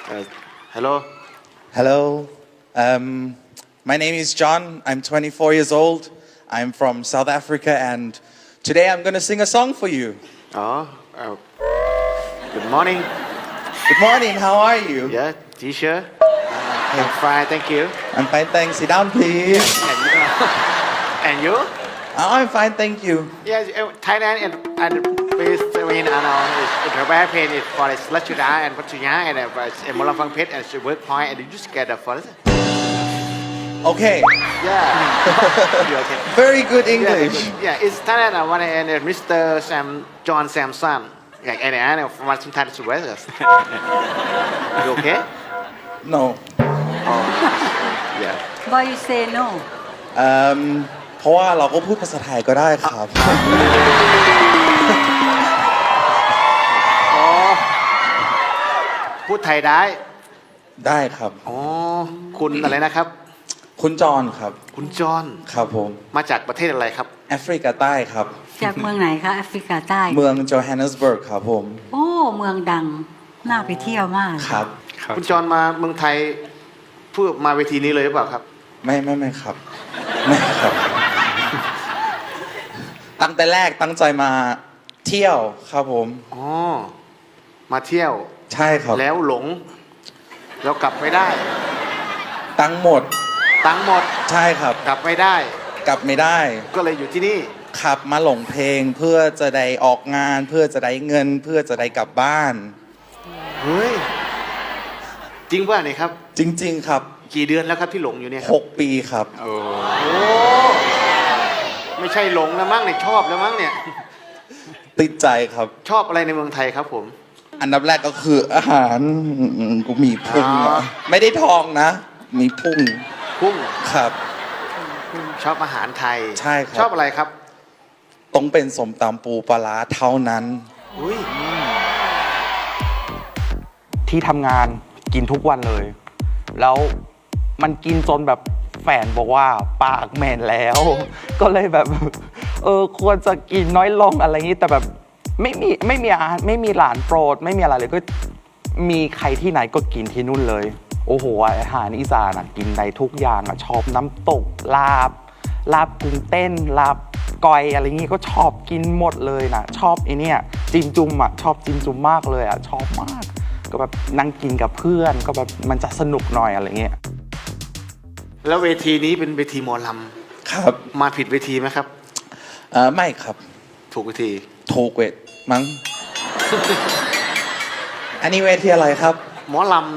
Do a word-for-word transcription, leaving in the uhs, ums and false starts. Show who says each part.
Speaker 1: Uh, hello.
Speaker 2: Hello. Um, my name is John. I'm twenty-four years old. I'm from South Africa, and today I'm going to sing a song for you.
Speaker 1: Oh, uh, good morning.
Speaker 2: Good morning. How are you?
Speaker 1: Yeah, teacher. I'm fine, thank you.
Speaker 2: I'm fine, thanks. Sit down, please.
Speaker 1: And you? and you?
Speaker 2: Oh, I'm fine, thank you.
Speaker 1: Yes, uh, Thailand and and please. I mean, I know it's the bad pain is for the Lachida and Pattaya and uh, Molamphang Phet and work point and you just get the first.
Speaker 2: Okay.
Speaker 1: Yeah. You okay?
Speaker 2: Very good English.
Speaker 1: Yeah, yeah, it's Thailand. I want to and uh, Mister Sam John Samson. Like and I know from some time to weather. You okay?
Speaker 2: No.
Speaker 1: Yeah.
Speaker 3: Why you say no?
Speaker 2: Um, เพราะว่าเราก็พูดภาษาไทยก็ได้ครับ
Speaker 1: อ๋อพูดไทยได้
Speaker 2: ได้ครับ
Speaker 1: อ๋อคุณอะไรนะครับ
Speaker 2: คุณจอนครับ
Speaker 1: คุณจอน
Speaker 2: ครับผม
Speaker 1: มาจากประเทศอะไรครับ
Speaker 2: แอฟริกาใต้ครับ
Speaker 3: จากเมืองไหนคะแอฟริกาใต้
Speaker 2: เมืองโจฮันเนสเบิร์กครับผม
Speaker 3: โอ้เมืองดังน่าไปเที่ยวมาก
Speaker 2: ครับ
Speaker 1: คุณจอนมาเมืองไทยเพื่อมาเวทีนี้เลยหรือเปล่าครับ
Speaker 2: ไม่ไม่ไม่ครับ ไม่ครับ ตั้งแต่แรกตั้งใจมาเที่ยวครับผม
Speaker 1: อ๋อมาเที่ยว
Speaker 2: ใช่ครับ
Speaker 1: แล้วหลง แล้วกลับไม่ได้
Speaker 2: ตั้งหมด
Speaker 1: ตังค์หมด
Speaker 2: ใช่ครับ
Speaker 1: กลับไม่ได้
Speaker 2: กลับไม่ได้
Speaker 1: ก็เลยอยู่ที่นี่
Speaker 2: ขับมาหลงเพลงเพื่อจะได้ออกงาน เพื่อจะได้เงิน เพื่อจะได้กลับบ้าน
Speaker 1: เฮ้ยจริงป่ะเนี่ยครับ
Speaker 2: จริง ๆ ครับ
Speaker 1: กี่เดือนแล้วครับที่หลงอยู่เนี่ยครับ
Speaker 2: หกปีครับ
Speaker 1: โอ้ไม่ใช่หลงแล้วมั้งเนี่ยชอบแล้วมั้งเนี่ย
Speaker 2: ติดใจครับ
Speaker 1: ชอบอะไรในเมืองไทยครับผม
Speaker 2: อันดับแรกก็คืออาหารอืมกูมีพุง
Speaker 1: อ๋อ
Speaker 2: อะไม่ได้ทองนะ มีพุง
Speaker 1: พุ่ง
Speaker 2: ครับ
Speaker 1: ชอบอาหารไทย
Speaker 2: ใช่ครับ
Speaker 1: ชอบอะไรครับ
Speaker 2: ต้องเป็นสมตำปูปลาร้าเท่านั้น
Speaker 1: อุ้ย
Speaker 4: ที่ทำงานกินทุกวันเลย แล้วมันกินจนแบบแฟนบอกว่าปากเหม็นแล้ว ก็เลยแบบ เออควรจะกินน้อยลงอะไรอย่างนี้แต่แบบไม่มีไม่มีอาหารไม่มีหลานโปรด ไม่มีอะไรเลยก็มีใครที่ไหนก็กินที่นู่นเลย โอ้โหอาหารอีสานอะกินได้ทุกอย่างอะชอบน้ำตกลาบ ลาบกุ้งเต้นลาบกอยอะไรอย่างงี้ก็ชอบกินหมดเลยนะชอบไอเนี่ยจิมจุ่มอ่ะชอบจิมจุ่มมากเลยอ่ะชอบมาก ก็แบบนั่งกินกับเพื่อนก็แบบมันจะสนุกหน่อยอะไรเงี้ย
Speaker 1: แล้วเวทีนี้เป็นเวทีหมอล
Speaker 2: ครับ
Speaker 1: ำมาผิดเวทีไหมครับ
Speaker 2: เออไม่ครับ
Speaker 1: ถูกเวที
Speaker 2: ถูกเวทมั้ง อันนี้เวทีอะไรครับ
Speaker 1: หมอลำ